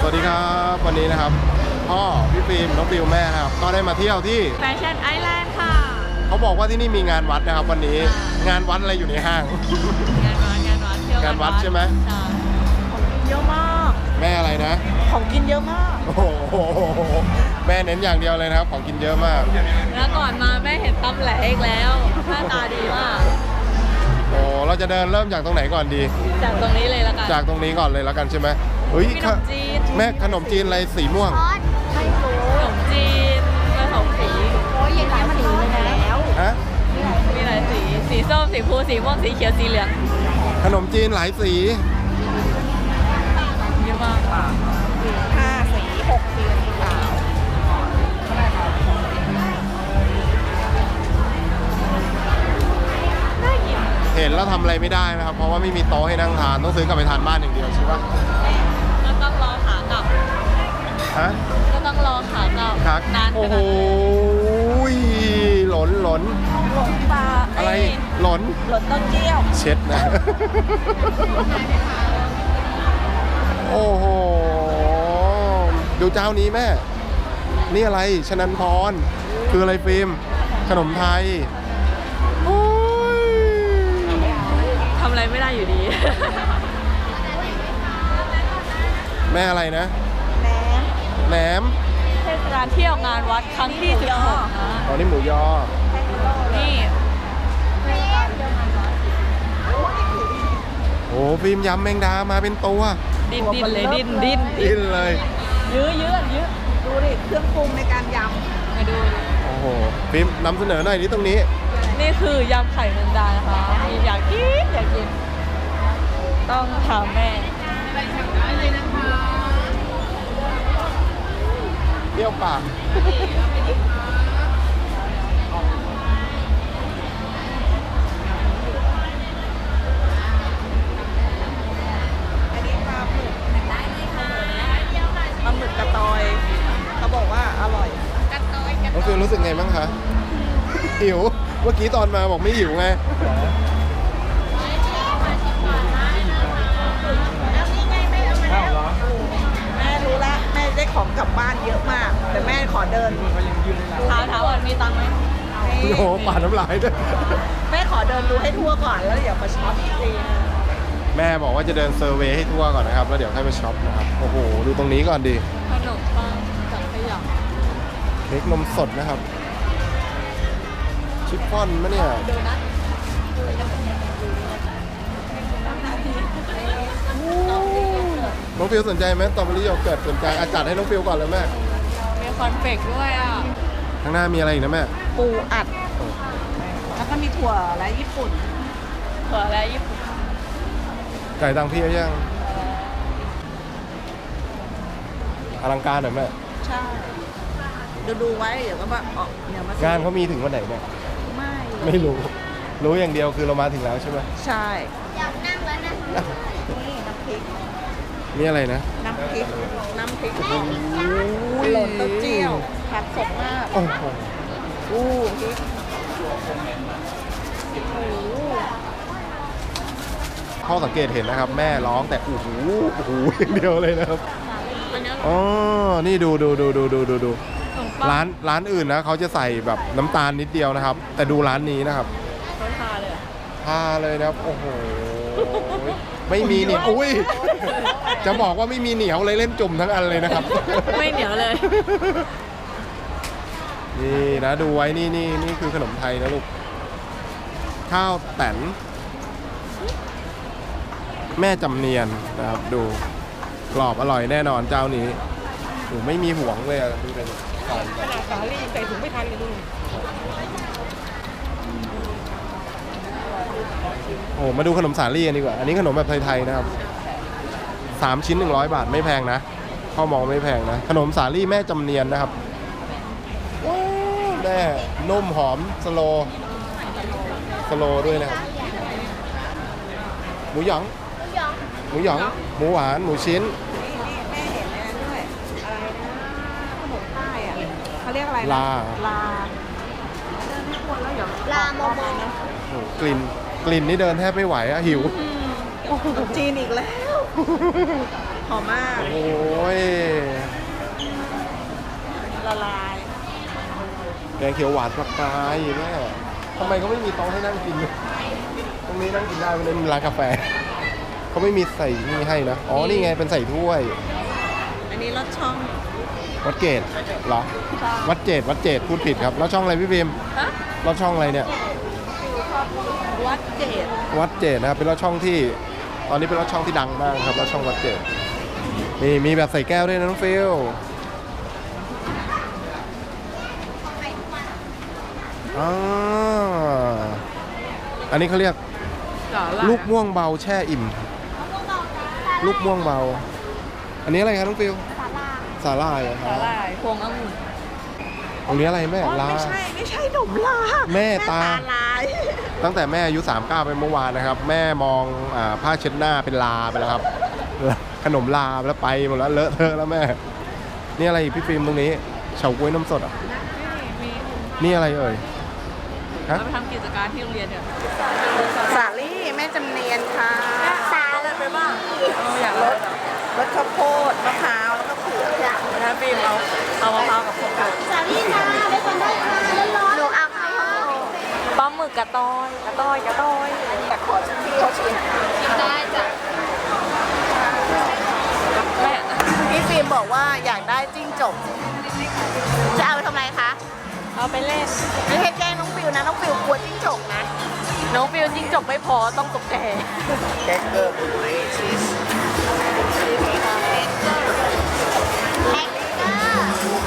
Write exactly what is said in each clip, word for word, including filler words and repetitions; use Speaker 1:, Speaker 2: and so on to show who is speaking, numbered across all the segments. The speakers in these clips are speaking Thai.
Speaker 1: วัสดีครับวันนี้นะครับพ่อพี่ฟิล์มน้องฟิลแม่นะครับก็ได้มาเที่ยวที่
Speaker 2: แฟชั่นไอแลนด์ค่ะ
Speaker 1: เขาบอกว่าที่นี่มีงานวัดนะครับวันนี้งานวัดอะไรอยู่ในห้าง
Speaker 2: งานวัดงานวัดเที่ยว
Speaker 1: งานวัดใช่ไหม
Speaker 2: ใช่ของกินเยอะมาก
Speaker 1: แม่อะไรนะ
Speaker 2: ของกินเยอะมาก
Speaker 1: โอ้โหแม่เน้นอย่างเดียวเลยนะครับของกินเยอะมาก
Speaker 2: แล้วก่อนมาแม่เห็นตำแหลกอีกแล้วหน้าตาดีมาก
Speaker 1: โอ้เราจะเดินเริ่มจากตรงไหนก่อนดี
Speaker 2: จากตรงนี้เลยละกัน
Speaker 1: จากตรงนี้ก่อนเลยละกันใช่ไหมเฮ้ย
Speaker 2: ขนมจีน
Speaker 1: แม่ขนมจีนอะไรสีม่วง
Speaker 2: ไม่รู้ขนมจีนผสมสีโอ้ยยังไงมันรู้เลยแล้ว
Speaker 1: ฮะ
Speaker 2: มีหลายสีสีส้มสีฟูสีม่วงสีเขียวสีเหลือง
Speaker 1: ขนมจีนหลายสี
Speaker 2: เยอะมากห้าสีหกสีสีขาว
Speaker 1: เห็นแล้วทำอะไรไม่ได้นะครับเพราะว่าไม่มีโต๊ะให้นั่งทานต้องซื้อกลับไปทานบ้านอย่างเดียวใช่ปะ
Speaker 2: ก็ต้องรอขากลับ
Speaker 1: ฮะ
Speaker 2: ก็ต้องรอขากลับนาน
Speaker 1: โอ้โหหล่นหล่น
Speaker 2: หล่นปลา
Speaker 1: อะไรหล่น
Speaker 2: หล่นต้นเจี้ยว
Speaker 1: เช็ดนะโอ้โหดูเจ้านี้แม่นี่อะไรชนันพรคืออะไรฟิล์มขนมไทย
Speaker 2: ทำอะไรไม่ได้อยู่ดี
Speaker 1: แม่อะไรนะ
Speaker 2: แหนม
Speaker 1: แหนม
Speaker 2: เทศกาลเที่ยวงานวัดครั้งที่สิบหก
Speaker 1: อ๋อนี่หมูยอ
Speaker 2: นี่
Speaker 1: โอ้ฟิล์มยำแมงดามาเป็นตัว
Speaker 2: ดิ้นดิ้นเลยดิ้นดิ้น
Speaker 1: ดิ้นเลย
Speaker 2: ยื้อยื้อยื้อดูดิเครื่องปรุงในการยำมาดู
Speaker 1: โอ้โหฟิล์มนำเสนอหน่อยนี่ตรงนี้
Speaker 2: นี่คือยำไข่แมงดานะคะมีอยากกินอยากกินต้องถามแม่
Speaker 1: เปรี้ยวปาก
Speaker 2: อันนี้ปลาหมึกได้เลยค่ะปลาหมึกกระตอยเขาบอกว่าอร่อยกระตอยกระตอย
Speaker 1: น้องฟิลรู้สึกไงบ้างคะหิวเมื่อกี้ตอนมาบอกไม่หิวไง
Speaker 2: แม่รู้ละแม่ได้ของกลับบ้านเยอะมากแต่แม่ขอเดินถามถามว่ามีตังค์ไหม
Speaker 1: โอ้โหปาดน้ำลายด้วย
Speaker 2: แม่ขอเดินดูให้ทั่วก่อนแล้วเดี๋ยวมาช็อปอีกที
Speaker 1: แม่บอกว่าจะเดินเซอร์เวย์ให้ทั่วก่อนนะครับแล้วเดี๋ยวให้ไปช็อปนะครับโอ้โหดูตรงนี้ก่อนดิ
Speaker 2: ขนมปังจากขยะ
Speaker 1: เค้กนมสดนะครับชิฟฟ่อนมะเนี่ยน้องฟิวสนใจไหมสตรอเบอรี่โยเกิร์ตสนใจอาจัดให้น้องฟิวก่อนเลยแม่
Speaker 2: มีคอนเฟกด้วยอ่ะ
Speaker 1: ข้างหน้ามีอะไรอีกนะแม่
Speaker 2: ปูอัดแล้วก็มีถั่วและญี่ปุ่นถั่วและญี่ปุ่น
Speaker 1: ไก่ตังพี่ยังอลังการหน่อยแม่
Speaker 2: ใช่ดูดูไว้เดี๋ยวก็มาออกเดี๋ยวมาง
Speaker 1: านเขามีถึงวันไหนเนี่ย
Speaker 2: ไม่
Speaker 1: ไม่รู้รู้อย่างเดียวคือเรามาถึงแล้วใช่ไหม
Speaker 2: ใช่อยากนั่งแล้วนะนี่น้ำพริก
Speaker 1: นี่อะไรนะ
Speaker 2: น้ำพริกน้ำพริกหล่นเต้าเจี้ยวผักสดมาก
Speaker 1: โอ้โห
Speaker 2: อู้พริก
Speaker 1: พ่อสังเกตเห็นนะครับแม่ร้องแต่โอ้โหโอ้โหอย่างเดียวเลยนะครับอ๋อนี่ดูดูดูดูดูดูดูร้านร้านอื่นนะเขาจะใส่แบบน้ำตาลนิดเดียวนะครับแต่ดูร้านนี้นะครับ
Speaker 2: ทาเลย
Speaker 1: ทาเลยนะครับโอ้โหไม่มีเหนียวอุ้ยจะบอกว่าไม่มีเหนียวเลยเล่นจุ่มทั้งอันเลยนะครับ
Speaker 2: ไม่เหนียวเลย
Speaker 1: นี่นะดูไว้นี่นี่นี่คือขนมไทยนะลูกข้าวแตนแม่จำเนียนนะครับดูกรอบอร่อยแน่นอนเจ้านี้โอ้ไม่มีห่วงเลยดูเลย
Speaker 2: ขนาดสาลี่ใส่ถุงไม่ทันเลยดู
Speaker 1: โอ้มาดูขนมสาลี่กันดีกว่าอันนี้ขนมแบบไทยๆนะครับสามชิ้นหนึ่งร้อยบาทไม่แพงนะพ่อมองไม่แพงนะขนมสาลี่แม่จำเนียนนะครับว้าวแม่นุ่มหอมสโลสโลด้วยนะครับหมูหยองหมูหยองหมูหวานหมูชิ้น
Speaker 2: แม่เห็นนะด้วยอะไรนะขนมใต้อะเขาเรียกอะไร
Speaker 1: ลา
Speaker 2: ลาเดินไม่ควรแล้วเดี๋ยวลาโมโมนะ
Speaker 1: กลิ่นกลิ่นนี่เดินแทบไม่ไหวอะหิว
Speaker 2: จีนอีกแล้วหอมมาก
Speaker 1: โอ้ย
Speaker 2: ละลาย
Speaker 1: แกงเขียวหวานปลากรายแม่ทำไมเขาไม่มีโต๊ะให้นั่งกินตรงนี้นั่งกินได้ไม่ได้มีร้านกาแฟเขาไม่มีใส่นี่ให้นะอ๋อนี่ไงเป็นใส่ถ้วย
Speaker 2: อันนี้รสช่อง
Speaker 1: วัดเกตเหรอวัดเจดวัดเจดพูดผิดครับแล้วช่องอะไรพี่พิมพ์
Speaker 2: ฮะ
Speaker 1: แล้วช่องอะไรเนี่ย
Speaker 2: วัดเจด
Speaker 1: วัดเจดนะครับเป็นรถช่องที่ตอนนี้เป็นรถช่องที่ดังมากครับรถช่องวัดเจดมีมีแบบใส่แก้วด้วยนะน้องฟิลอ่าอันนี้เขาเรียกลูกม่วงเบาแช่อิ่มลูกม่วงเบา อันนี้อะไรครับน้องฟิลสาลายเหรอค
Speaker 2: สา
Speaker 1: รับ
Speaker 2: หร่ายพวงองุ่น
Speaker 1: ตรงนี้อะไรแม่
Speaker 2: อ๋อ
Speaker 1: ลา
Speaker 2: ไม่ใช่ไม่ใช่หนมลา
Speaker 1: แม่ตา
Speaker 2: ลาย
Speaker 1: ตั้งแต่แม่อายุสามสิบเก้าไปเมื่อวานนะครับ แม่มองอ่าผ้าเช็ดหน้าเป็นลาไปแล้วครับ ขนมลาไปแล้วไปหมดแล้วเลอะเทอะแล้วแม่ นี่อะไรอีกพี่ฟิล์มตรงนี้เฉาก๊วยน้ำสดอ่ะ
Speaker 2: มี
Speaker 1: นี่อะไรเอ่ยฮะ
Speaker 2: เราไปทำกิจการที่โรงเรียนเนี่ยสาลี่แม่จำเนียนค่ะสาอะไรไปบ้างอยากรสรสข้าวโพดมะพร้าวแล้วก็เผือกนะฟิล์มเอาเอามะพร้าวกับข้าวโพด
Speaker 3: สาลี่ค่ะได้คนได้ค่ะร้อนๆหนูเอาข้าวโพด
Speaker 2: ปลาหมึกกระตอยกระตอยกระตอยอยากขอชิมพี่เขาชิม
Speaker 3: ได้จ้ะ
Speaker 2: แม่พี่ฟิล์มบอกว่าอยากได้จิ้งจก
Speaker 3: จะเอาไปทำอะไรคะ
Speaker 2: เอาไปเล่น
Speaker 3: ไม่ให้แกล้งน้องฟิวนะ น้องฟิวกลัวจิ้งจกนะ
Speaker 2: น้องฟิลจิ้งจกไม่พอต้องตกแก่
Speaker 4: แคคเกอร์ผุยชีส
Speaker 3: แฮกเกอร์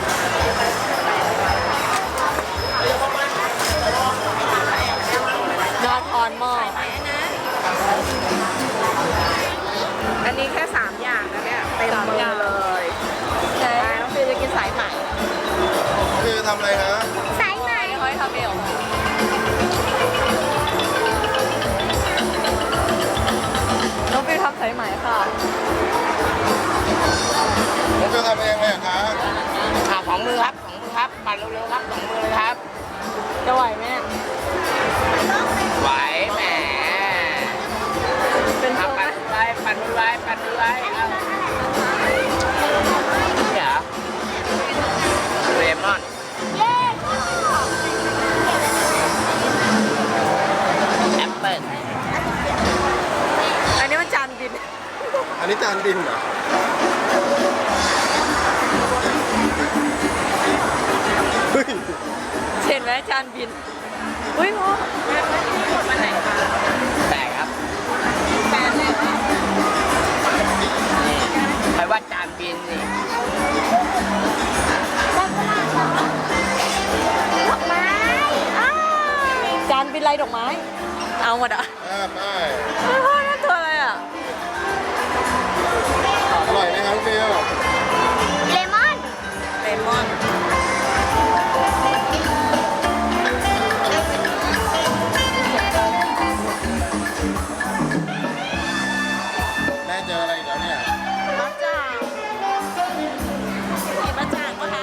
Speaker 2: ยอดทอนหม้อ
Speaker 3: อันนี้แค่สามอย่างนะเนี่ยเต็มมือเลย
Speaker 2: ใช่
Speaker 3: น้องฟิวจะกินสายไหม
Speaker 1: คือทำอะไรฮะ
Speaker 3: สายไหม
Speaker 2: ค่อยทำเองน้องฟิลทำสายไหมค่ะ
Speaker 1: ผมจะทำเองไงคะ
Speaker 4: อ่าของมือครับของมือครับปั่นเร็วๆครับสองมือเลยครับ
Speaker 2: จะไหวไหม
Speaker 4: ไหวแหม
Speaker 2: เป็น
Speaker 4: อ่ะ
Speaker 2: ตัวไหม
Speaker 4: ปั่นมือไว้ปั่นมือไว้ปั่นมือไว้เอานี่เหรอเลมอน
Speaker 3: เย้
Speaker 4: แอปเปิ้ล
Speaker 2: อันนี้มันจานบิน
Speaker 1: อันนี้จานบินเหรอเฮ้ย
Speaker 2: เห็นไหมจานบิน อุ้ยพ่อแม่ไม่ที่หมดมาไหนคะ
Speaker 4: แตกครับ
Speaker 2: แปดเลย
Speaker 4: นี่ใครว่าจานบินนี่
Speaker 3: ดอกไม้อ้าว
Speaker 2: จานบินไรดอกไม้ เอาหมดอ่ะ
Speaker 1: อ่าไป
Speaker 2: ไม่พ่อนั่นตัวอะไรอ่ะ
Speaker 1: อร่อยไหมครับฟิล
Speaker 3: เลมอน
Speaker 2: เลมอน
Speaker 1: แม่เจออะไรอีกแล้วเนี่ย
Speaker 2: มะจ่างกินมะจ่างปะคะ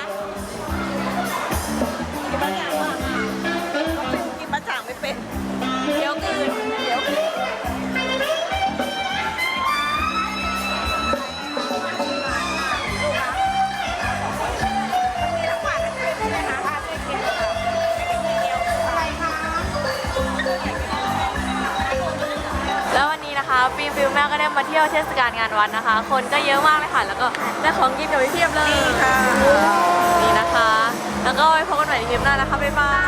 Speaker 2: กินมะจ่างปะกินมะจ่างไม่เป็นเดี๋ยวกืนเดี๋ยวกืนแล้ววันนี้นะคะฟิล์มฟิลแม่ก็ได้มาเที่ยวเทศกาลงานวัดนะคะ คนก็เยอะมากเลยค่ะ แล้วก็ได้ของกินกับพี่เพียบเลย
Speaker 3: ค่ะ
Speaker 2: นี่นะคะ แล้วก็ไว้พบกันใหม่ในคลิปหน้านะคะ บ๊ายบาย